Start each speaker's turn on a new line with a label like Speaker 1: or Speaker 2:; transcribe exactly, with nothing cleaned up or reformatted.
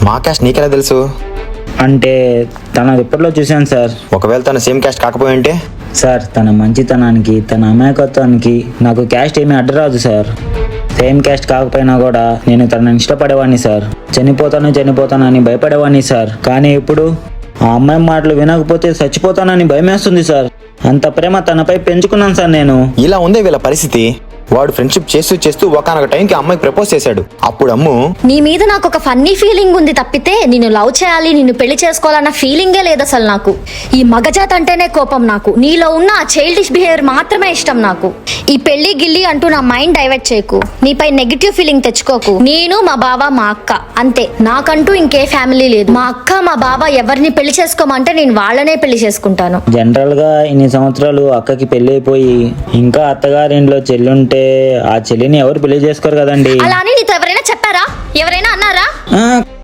Speaker 1: మా క్యాస్ట్ నీకెలా తెలుసు?
Speaker 2: అంటే తన రిపోర్ట్లో చూశాను సార్.
Speaker 1: ఒకవేళ తన సేమ్ క్యాస్ట్ కాకపోయి ఉంటే?
Speaker 2: సార్ తన మంచితనానికి, తన అమాయకత్వానికి నాకు క్యాస్ట్ ఏమీ అడ్డరాదు సార్. సేమ్ క్యాస్ట్ కాకపోయినా కూడా నేను తనని ఇష్టపడేవాడిని సార్. చనిపోతాను చనిపోతాను అని భయపడేవాడిని సార్. కానీ ఇప్పుడు ఆ అమ్మాయి మాటలు వినకపోతే చచ్చిపోతానని భయమేస్తుంది సార్. అంత ప్రేమ తనపై పెంచుకున్నాను సార్ నేను.
Speaker 1: ఇలా ఉందే వీళ్ళ పరిస్థితి. వాడు ఫ్రెండ్షిప్ చేస్తూ చేస్తూ ఒకనొక టైంకి అమ్మాయికి ప్రపోజ్ చేశాడు. అప్పుడు అమ్ము,
Speaker 3: నీ మీద నాకు ఒక ఫన్నీ ఫీలింగ్ ఉంది తప్పితే నిన్ను లవ్ చేయాలి, నిన్ను పెళ్లి చేసుకోవాలన్న ఫీలింగే లేదు అసలు నాకు. ఈ మగజాత్ అంటేనే కోపం నాకు. నీలో ఉన్న ఆ చైల్డిష్ బిహేవియర్ మాత్రమే ఇష్టం నాకు. ఈ పెళ్లి గిల్లి అంటూ నా మైండ్ డైవర్ట్ చేయకు, నీపై నెగిటివ్ ఫీలింగ్ తెచ్చుకోకు. నేను మా బావ మా అక్క అంతే, నాకంటూ ఇంకే ఫ్యామిలీ లేదు. మా అక్క మా బావ ఎవరిని పెళ్లి చేసుకోమంటే నేను వాళ్ళనే పెళ్లి చేసుకుంటాను.
Speaker 2: జనరల్ గా ఇన్ని సంవత్సరాలు అక్కకి పెళ్లి అయిపోయి ఇంకా అత్తగారింట్లో చెల్లి ఉంటే ఆ చెల్లిని ఎవరు పెళ్లి చేసుకోరు కదండి.
Speaker 3: అలా అని నీతో ఎవరైనా చెప్పారా? ఎవరైనా అన్నారా?
Speaker 2: ఆ,